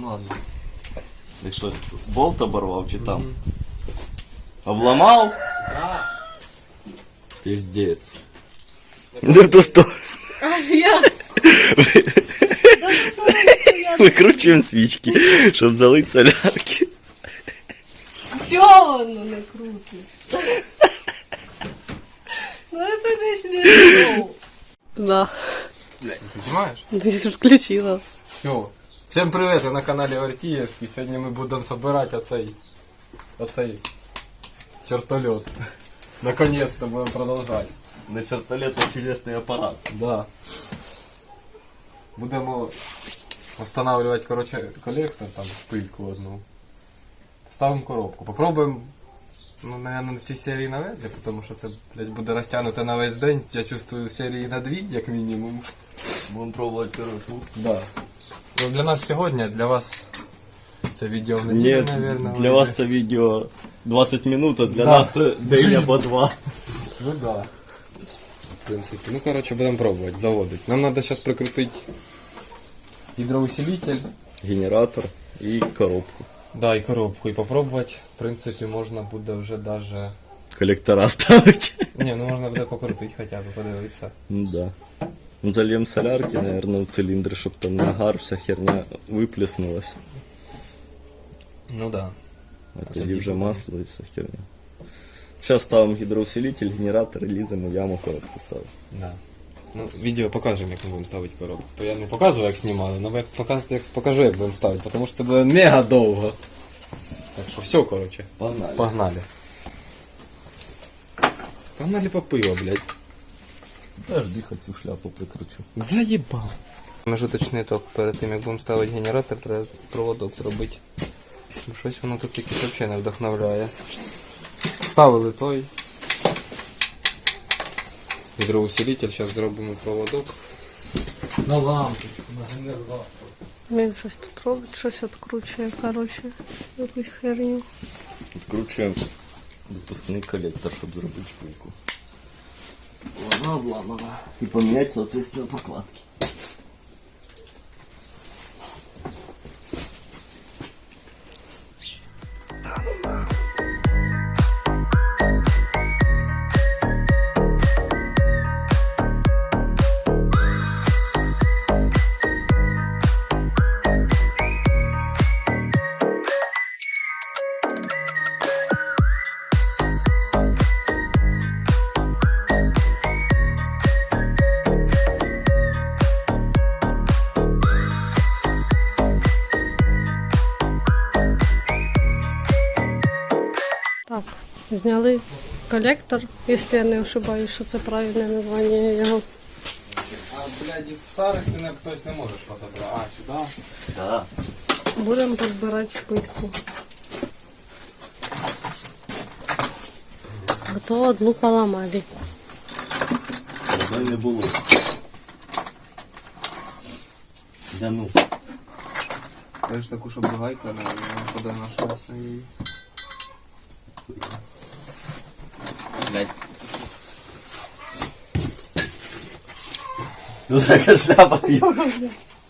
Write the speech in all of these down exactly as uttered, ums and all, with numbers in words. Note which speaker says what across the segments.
Speaker 1: Ну ладно.
Speaker 2: Так що, болт оборвав чи там? Угу. Обламав?
Speaker 1: Да.
Speaker 2: Пиздец. Да в ту сторону.
Speaker 3: А я...
Speaker 2: Викручуємо свічки, щоб залити солярки.
Speaker 3: Чого воно не крутить? Ну это не смешно. Да.
Speaker 1: Блядь, не понимаешь?
Speaker 3: Ты же включила.
Speaker 1: Все. Всем привет, ви на каналі Артіївський. Сьогодні ми будемо собирати оцей, оцей чертольот. Наконец-то будемо продовжувати.
Speaker 2: На чертолет а чудесний апарат.
Speaker 1: Да. Будемо встановлювати, короче, колектор, там, шпильку одну. Ставимо коробку. Попробуємо, ну, наверное, на всі серії навряд ли, тому що це, блядь, буде розтягнуто на весь день. Я чувствую серії на дві, як мінімум.
Speaker 2: Будемо пробувати перший пуск.
Speaker 1: Да. Ну, для нас сьогодні, для вас це відео в неділю,
Speaker 2: Ні,
Speaker 1: наверное.
Speaker 2: для вас це відео двадцять минут, а для да. нас це день або два.
Speaker 1: Ну да. В принципі. Ну, короче, будемо пробувати, заводити. Нам треба зараз прикрутити гідроусилитель.
Speaker 2: Генератор і коробку.
Speaker 1: Да, і коробку. І попробувати, в принципі, можна буде вже даже...
Speaker 2: Колектора ставити.
Speaker 1: Не, ну можна буде покрутити хоча б, подивитися.
Speaker 2: Ну да. Зальем солярки, наверное, в цилиндр, чтобы там нагар, вся херня выплеснулась.
Speaker 1: Ну да.
Speaker 2: А тоді вже масло і вся херня. Сейчас ставим гидроусилитель, генератор, ліземо в яму, коробку ставимо.
Speaker 1: Да. Ну, відео покажемо, як ми будемо ставити коробку. То я не показую, як знімали, але як покажу, як покажу, як будемо ставити, тому що це буде мега довго. Так що все, короче.
Speaker 2: Погнали.
Speaker 1: Погнали. Погнали по пиво, блядь.
Speaker 2: Подожди, хоть цю шляпу прикручу.
Speaker 1: Заебал. Межуточний ітог. Перед тим, як будемо ставити генератор, треба проводок зробити. Бо щось воно тут якось взагалі не вдохновляє. Ставили той гідроусилитель, зараз зробимо проводок. На лампочку, на генератор.
Speaker 3: Він щось тут робить, щось відкручує, короче, якусь херню.
Speaker 2: Відкручуємо допускний колектор, щоб зробити шпильку. Вона обламана. І поміняти, соответственно, покладки.
Speaker 3: Так, зняли колектор, якщо я не ошибаюсь, що це правильне названня його.
Speaker 1: А, блядь, із старих ти не, хтось не можеш подобрати. А, сюди?
Speaker 2: Да.
Speaker 3: Будемо розбирати шпильку. А то одну поламали.
Speaker 2: Одної не було. Да ну.
Speaker 1: Кажеш таку, щоб гайка, не куди нашлась на її.
Speaker 2: Блядь. Ну така шляпа, йога, блядь.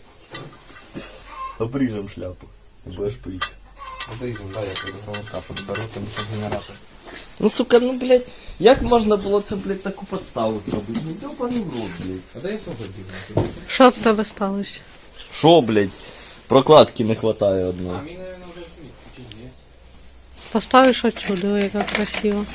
Speaker 2: Обріжем шляпу. Будеш пити.
Speaker 1: Обрізем, да, я тут проводка подберу, тому що генератор.
Speaker 2: Ну сука, ну блядь, як можна було це, блядь, таку подставу зробити? Ну ёбаний в рот, блядь.
Speaker 1: А де я сьогодні?
Speaker 3: Що в тебе сталося?
Speaker 2: Шо, блядь? Прокладки не хватає одної.
Speaker 1: А мені, наверное, вже сміть, чи ні?
Speaker 3: Поставиш отсюди, ой, яка красиво.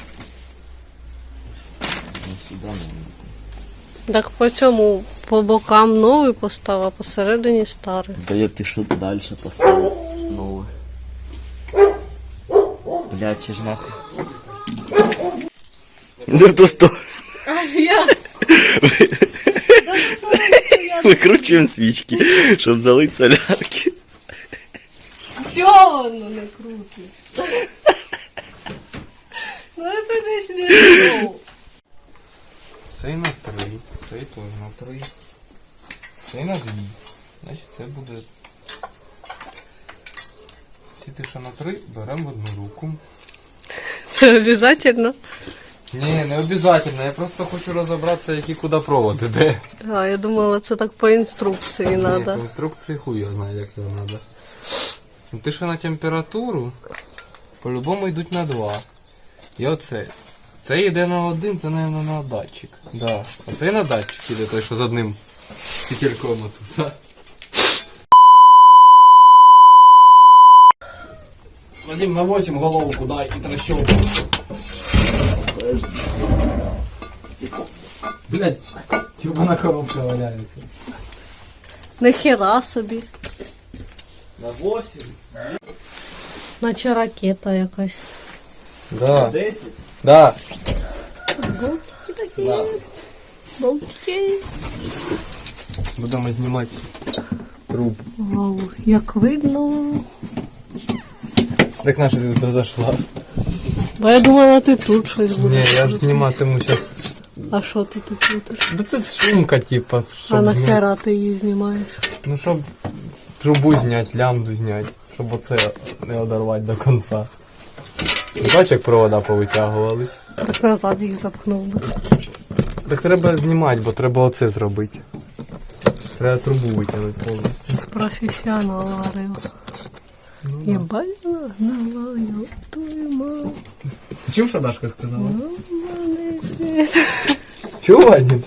Speaker 2: Ну сюди не.
Speaker 3: Так по цьому, по бокам новий постав, а посередині старий.
Speaker 2: Да я ти що далі поставив нове. Блядь, чи ж нахуй. Не в ту сторону.
Speaker 3: А я...
Speaker 2: Викручуємо свічки, щоб залити солярки.
Speaker 3: Чого воно не крутить? Ну это не смешно.
Speaker 1: Цей на три, цей теж на три. Цей на дві. Значить це буде... Всі ті, що на три, беремо в одну руку.
Speaker 3: Це обов'язково?
Speaker 1: Ні, не обов'язково, я просто хочу розібратися, які куди провод іде.
Speaker 3: А, я думала, це так по інструкції
Speaker 1: Ні,
Speaker 3: треба.
Speaker 1: по інструкції хуй я знаю, як його треба. Ну, ти що на температуру, по-любому йдуть на два. І оце. Це йде на один, це, мабуть, на датчик. Да. Оце на датчик йде, той, що з одним фітільком отут. Да? Вадим, на восемь головку дай і трещотку. Блять, ёбана коробка валяється.
Speaker 3: Нахера собі.
Speaker 2: На восемь,
Speaker 3: Наче ракета якась.
Speaker 1: Да.
Speaker 2: десять,
Speaker 1: Да.
Speaker 3: Болтики такі.
Speaker 2: на.
Speaker 3: Болтики.
Speaker 1: Будемо знімати труп.
Speaker 3: Вау, як видно.
Speaker 1: Так наша ти туди зайшла.
Speaker 3: Бо я думала, ти тут щось
Speaker 1: Ні,
Speaker 3: будеш.
Speaker 1: я ж зніматиму зараз.
Speaker 3: А що ти тут будеш?
Speaker 1: Да це шумка, типа,
Speaker 3: А
Speaker 1: щоб зняти.
Speaker 3: нахера ти її знімаєш?
Speaker 1: Ну, щоб трубу зняти, лямбду зняти, щоб оце не одорвати до кінця. Бачиш, як провода повитягувались.
Speaker 3: Так назад їх запхнув би.
Speaker 1: Так треба знімати, бо треба оце зробити. Треба трубу витягнути повністю.
Speaker 3: Професіонал говорив. Єбать, нагнала, твою мать.
Speaker 1: Ти чув, що Дашка сказала?
Speaker 3: Ну, мене.
Speaker 1: Чув, Вадим?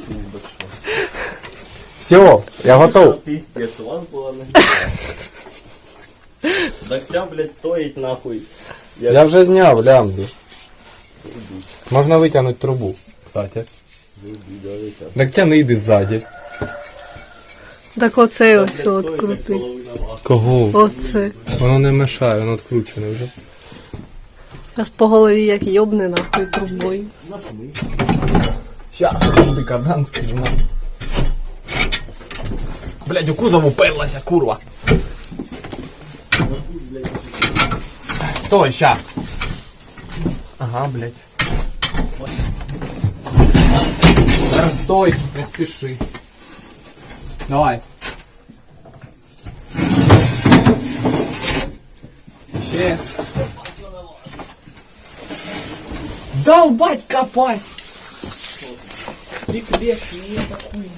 Speaker 1: Все, я готов.
Speaker 2: Пиздец, у вас была на Догтя, блядь, стоїть нахуй.
Speaker 1: Я вже зняв лямбду. Можна витягнути трубу, кстати. Так тяни йди ззаді.
Speaker 3: Так оцей ось от крутий.
Speaker 1: Кого?
Speaker 3: Оце.
Speaker 1: Воно не мешає, воно відкручене вже.
Speaker 3: Зараз по голові як йобне нахуй трубою.
Speaker 1: Щас, подожди, кардан скину. Блядь, у кузов уперлася, курва. Стой, ща. Ага, блядь. Зараз стой, не спіши. Давай. Ще. Долбать, копать. Тик лес, не такой,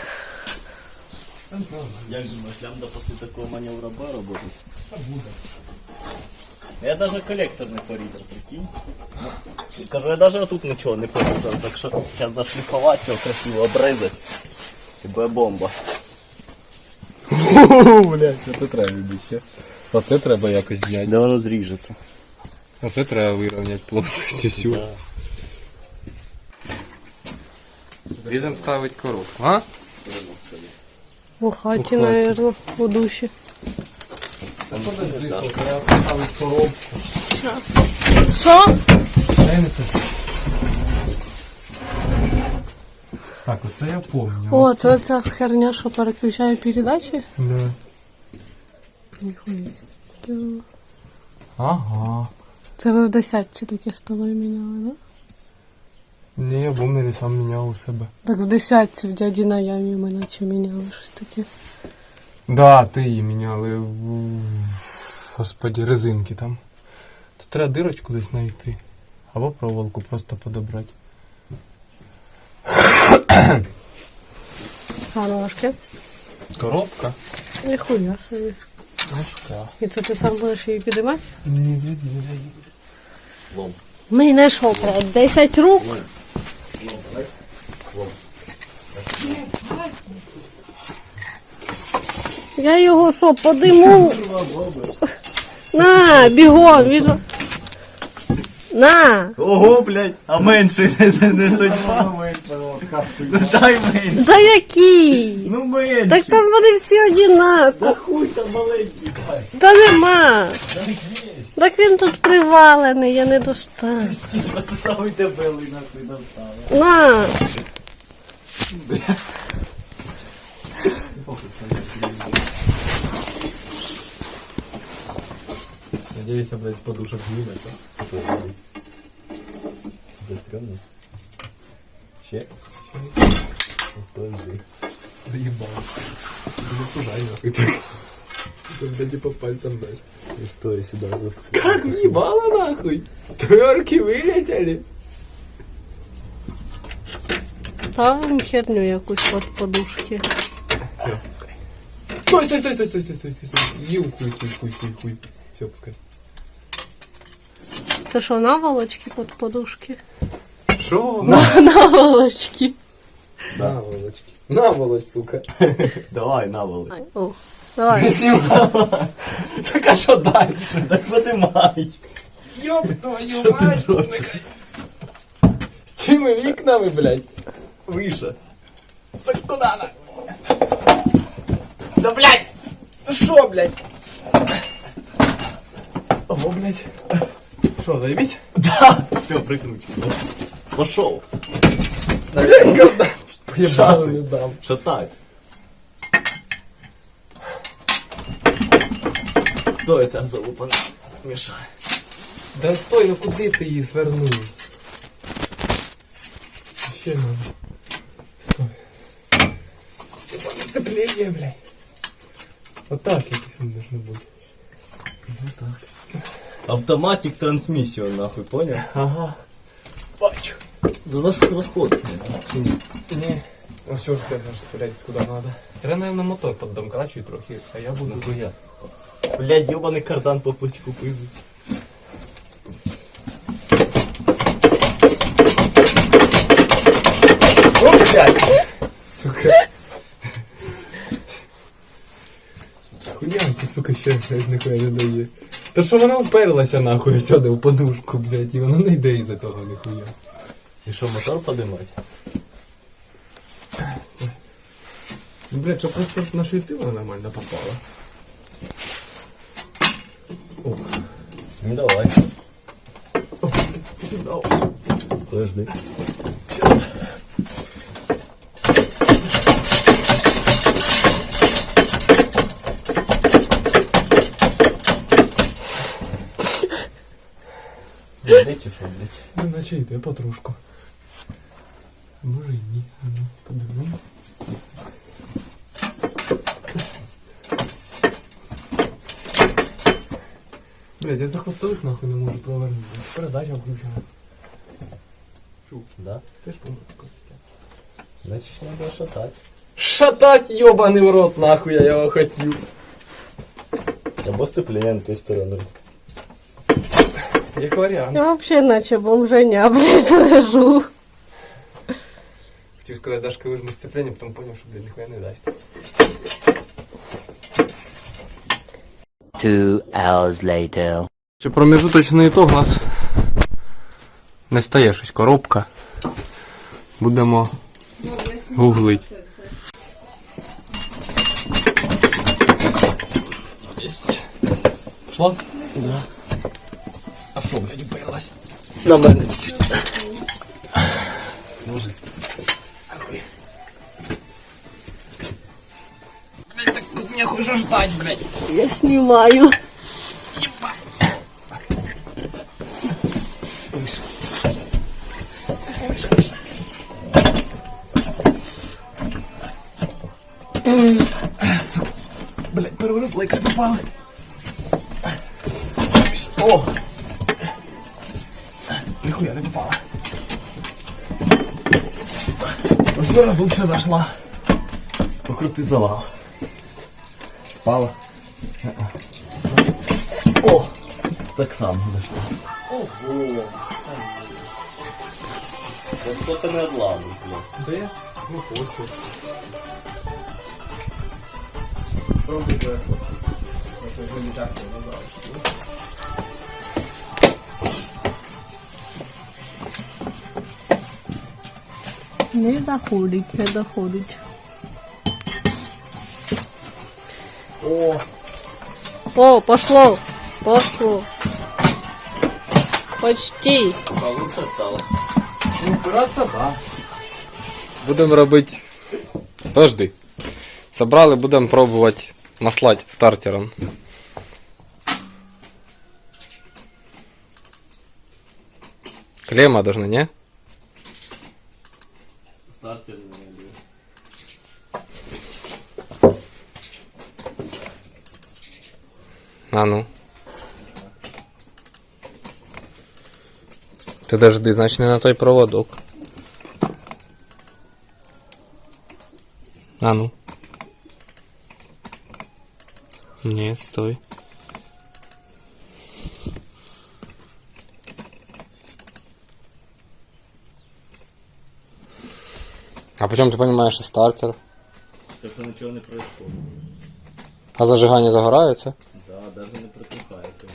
Speaker 2: Як думаєш, лямбда після такого маневра Б работает? Я даже коллектор не порізав, прикинь. Ну, кажу, я даже тут нічого не порізав, так що зараз зашліфувати його, красиво обрізати. І буде бомба.
Speaker 1: блядь, це треба робити ще. Оце треба якось зняти.
Speaker 2: Де воно зріжеться?
Speaker 1: Оце треба вирівняти плоскость всю.
Speaker 2: Да.
Speaker 1: Різом ставить коробку, а?
Speaker 3: У хаті,
Speaker 1: У хаті.
Speaker 3: наверное, у душі.
Speaker 1: Подожди, треба поставити коробку.
Speaker 3: Щас. Що?
Speaker 1: Так, оце я помню.
Speaker 3: О, це ця херня, що переключає передачі?
Speaker 1: Да.
Speaker 3: Ніхуя.
Speaker 1: Ага.
Speaker 3: Це ви в десятці таке столою міняли, да?
Speaker 1: Ні, я бумері сам міняв у себе.
Speaker 3: Так в десятці в дяді на ямі ми наче міняли щось таке.
Speaker 1: Да, ти її міняли. в- Господи, резинки там. Тут треба дирочку десь знайти. Або проволоку просто подобрати.
Speaker 3: А ножки?
Speaker 1: Коробка?
Speaker 3: Ніхуя собі.
Speaker 1: Важка.
Speaker 3: І це ти сам будеш її підіймати?
Speaker 1: Не зведи, не зведи.
Speaker 2: Лом.
Speaker 3: Ми не що, блядь, десять рук? Я його що, подиму? На, бігом, від... На!
Speaker 2: Ого, блядь, а менше не, не, не судьба. Ну дай менше.
Speaker 3: Да який?
Speaker 2: Ну менше.
Speaker 3: Так там вони всі одинакові.
Speaker 2: Да хуй там маленький дай.
Speaker 3: Та нема. Так він тут привалений, я не достану.
Speaker 2: Ти самий дебелий нахуй достав.
Speaker 3: На!
Speaker 1: Надеюсь, блядь, с подушек снимется.
Speaker 2: Застрёмно. Ще? Подожди.
Speaker 1: Доебал. Не пужай нахуй так. Когда типа пальцем даст.
Speaker 2: Не стой сюда.
Speaker 1: Как ебало нахуй? Тверки вылетели.
Speaker 3: Ставимо херню якусь от подушки.
Speaker 1: Все, пускай. Стой, стой, стой, стой, стой, стой, стой, стой, стой. Ю, хуй, хуй, хуй, хуй, хуй. Все, пускай.
Speaker 3: Це що, наволочки під подушки?
Speaker 1: Шо?
Speaker 3: Наволочки.
Speaker 1: Наволочки. Наволоч, сука.
Speaker 2: Давай, навали.
Speaker 3: Ай, о, давай.
Speaker 1: Так а що далі?
Speaker 2: Так подимай.
Speaker 1: Ёб твою
Speaker 2: Що ти
Speaker 1: мать.
Speaker 2: дрочиш?
Speaker 1: З цими вікнами, блядь.
Speaker 2: Вище.
Speaker 1: Так куди на? Да, блядь. Ну шо, блядь? Ого, блядь. Шо, заебись?
Speaker 2: Да. Все, прикручено. Пошел.
Speaker 1: Поебало не дам.
Speaker 2: Шатай. Хто ця залупа мішає?
Speaker 1: Да стой, ну куди ти її свернув? Ще надо. Стой. Цепление, блядь. Вот так якось воно должно бути.
Speaker 2: Автоматик трансмісію, нахуй, понял?
Speaker 1: Ага. Бачу.
Speaker 2: Да за що заход?
Speaker 1: Ні. Ну все ж ти можеш стріляти куди надо. Треба, наверное, мотор поддомкрачуй трохи, а я буду...
Speaker 2: Нахуя? Блядь, ёбаний кардан по плечку пиздить.
Speaker 1: О, блядь! Сука. Хуя ти, сука, ще, блядь, ніхуя не дає. Та що вона вперлася нахуй сюди в подушку, блядь, і вона не йде із-за того ніхуя.
Speaker 2: І що, мотор подимать?
Speaker 1: Ну, блядь, що просто на швидці вона нормально попала. О,
Speaker 2: Ну давай.
Speaker 1: о, блядь, дав.
Speaker 2: Подожди.
Speaker 1: Сейчас.
Speaker 2: Йди чи що, блядь?
Speaker 1: Ну, наче йде потрошку. А може і ні. А ну, подивимо. Блядь, я за хвостових нахуй не можу провернути. Передача включена. Чу,
Speaker 2: Да?
Speaker 1: це ж помилка Костя.
Speaker 2: Значить, треба шатати.
Speaker 1: Шатать, ёбаный в рот, нахуй я його хотів.
Speaker 2: Або сцеплення на той сторони.
Speaker 1: Як варіант.
Speaker 3: Я вообще наче бомженя, блядь, лежу.
Speaker 1: Хотів сказати, Дашка вижми сцеплення, потім поняв, що, блядь, ніхуя не дасть.
Speaker 4: Two hours later.
Speaker 1: Що промежуточний ітог у нас не стає щось коробка. Будемо гуглить. Єсть. Пішло?
Speaker 2: Да.
Speaker 1: А що, блядь, уперлась?
Speaker 2: На мене чуть-чуть. Може.
Speaker 1: Ахуй. Блядь, так тут нехуй же ждать, блядь.
Speaker 3: Я знімаю.
Speaker 1: Сука. Блядь, первый раз лайк попали. О! Нихуя не попала. Уже раз лучше зашла.
Speaker 2: Покрути завал.
Speaker 1: Попала.
Speaker 2: О! Так само зайшло. Ого! Хто-то не одламив, блядь.
Speaker 1: Да я не хочу. Пробуй твоя фотка. Это уже не так не называешь.
Speaker 3: Не заходить, не доходить.
Speaker 1: О!
Speaker 3: О, пошло. Пошло. Почти.
Speaker 2: Получше стало.
Speaker 1: Ну, упиратися, да. Будемо робити. Подожди. Собрали, будемо пробувати маслати стартером. Клемма должна, не?
Speaker 2: Стартер не буде.
Speaker 1: А ну. Ти дожди, значить не на той проводок. А ну. Ні, стой. А почему ты понимаешь, что стартер?
Speaker 2: Так що нічого не происходит.
Speaker 1: А зажигание загорается?
Speaker 2: Да, даже не протухається.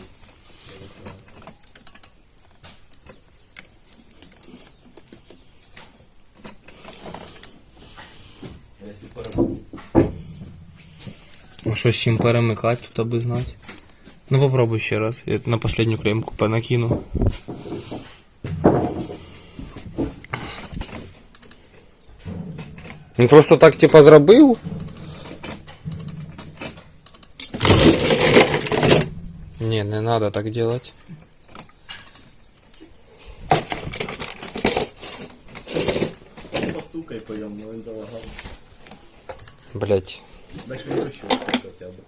Speaker 2: Якщо перебути.
Speaker 1: Ну что, с чем перемыкать, тут аби знать. Ну попробуй еще раз. Я на последнюю клемку понакину. Він просто так типа зробив. Не, не надо так делать.
Speaker 2: Постукай по ньому, но він залагав.
Speaker 1: Блять.
Speaker 2: Дай ключ хоча б.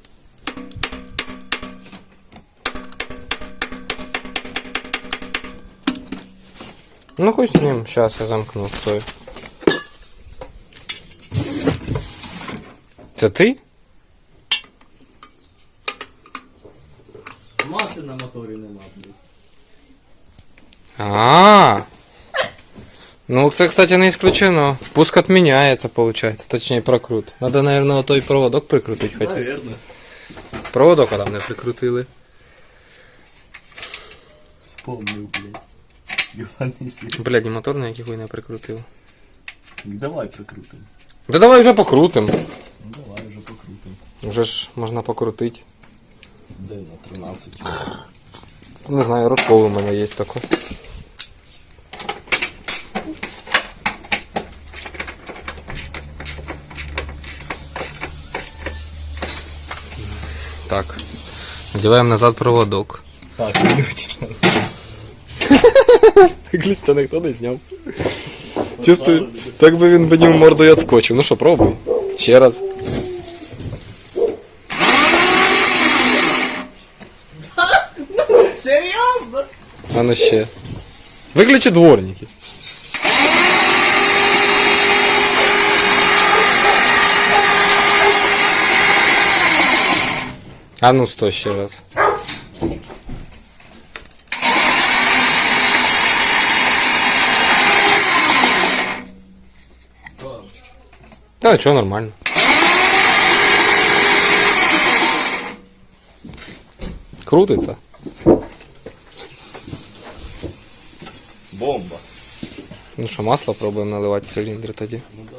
Speaker 1: Ну хоть с ним. Сейчас я замкну. Стой. Це ти?
Speaker 2: Маси на моторі нема, блядь.
Speaker 1: А. Ну, це, кстати, не исключено. Пуск отменяется, получается. Точнее, прокрут. Надо, наверное, той проводок прикрутить хотя.
Speaker 2: Наверно.
Speaker 1: Проводок а там не прикрутили.
Speaker 2: Вспомнив, блядь. Йоганий світ.
Speaker 1: Блядь, і мотор на який хуй не прикрутив.
Speaker 2: Давай прикрутим.
Speaker 1: Да давай вже покрутим.
Speaker 2: Ну давай вже покрутим.
Speaker 1: Вже ж можна покрутити.
Speaker 2: Де на тринадцять.
Speaker 1: Не знаю, рожковий у мене є такой. Так. Надеваем назад проводок.
Speaker 2: Так, ключ.
Speaker 1: Ключ-то ніхто не зняв. Чувствую, так би він мені в морду і отскочив. Ну що, пробуй. Ще раз.
Speaker 2: Серйозно?
Speaker 1: А ну ще. Виключи дворники. А ну стой ще раз. Да, чё, нормально. Крутится.
Speaker 2: Бомба.
Speaker 1: Ну що, масло пробуємо наливати в циліндри тоді.
Speaker 2: Ну